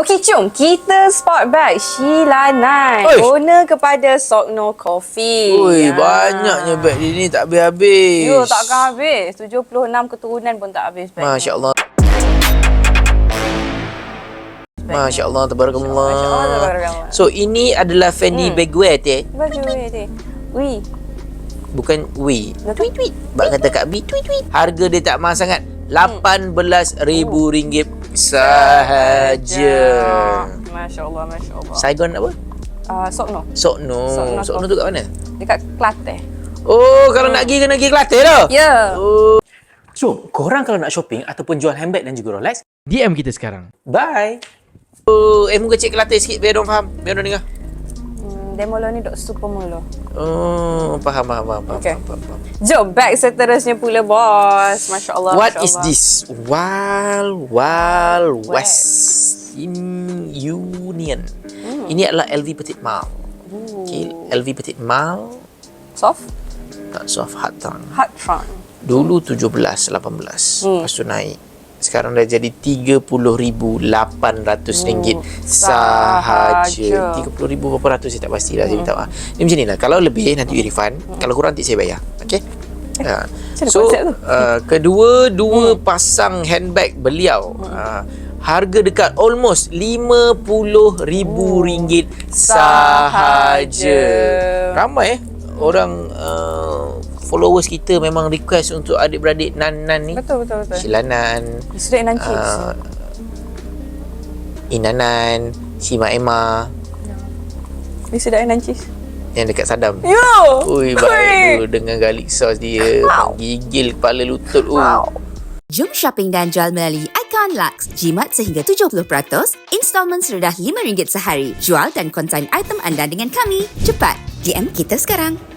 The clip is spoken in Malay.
Okey, jom kita spot bag Sheila Nai, owner kepada Sokno Coffee. Ui, banyaknya beg dia ni tak habis-habis. Yo, takkan habis. 76 keturunan pun tak habis bag. Masya Allah. Masya Allah, tabarakallah. Masya Allah, tabarakallah. So, ini adalah Fanny bagwear, teh. Baju ni. Ui. Bukan wi. Tweet. Bak kata Kak B, tweet. Harga dia tak mahal sangat. RM18,000 sahaja. Masya Allah, Masya Allah. Saigon apa? Sokno. Sokno tu kat mana? Dekat Kelantan. Oh, kalau nak pergi kena pergi Kelantan dah. Ya. Oh. So, korang kalau nak shopping ataupun jual handbag dan juga Rolex, DM kita sekarang. bye! Oh, muka cik Kelantan sikit biar orang faham. Biar orang dengar. Demo ni dok super mulu. Oh, faham. Okay. Jom, bag seterusnya pula, bos. Masya Allah. What Masya is Allah. this? Wild West Union. Ini adalah LV Petit Mal. Okay, LV Petit Mal. Soft? Tak soft, hard trunk. Hard trunk. Dulu 17, 18. Lepas tu naik. Sekarang dah jadi RM30,800 sahaja. 30,000 berapa ratus saya tak pasti lah. Saya minta maaf. Ni macam ni lah. Kalau lebih nanti you refund. Kalau kurang nanti saya bayar. Okay? So, kedua pasang handbag beliau. Harga dekat almost RM50,000 sahaja. Ramai orang followers kita memang request untuk adik-beradik Nan ni. Betul. Sheila Nan, Straight and cheese. Inanan, Shima Emma Ni sedap and cheese. yang dekat Sadam. Yo! Ui, baik tu dengan garlic sauce dia. Gigil kepala lutut. Jom shopping dan jual melalui Icon Lux. Jimat sehingga 70%, installment serendah RM5 sehari. Jual dan konsign item anda dengan kami. Cepat, DM kita sekarang.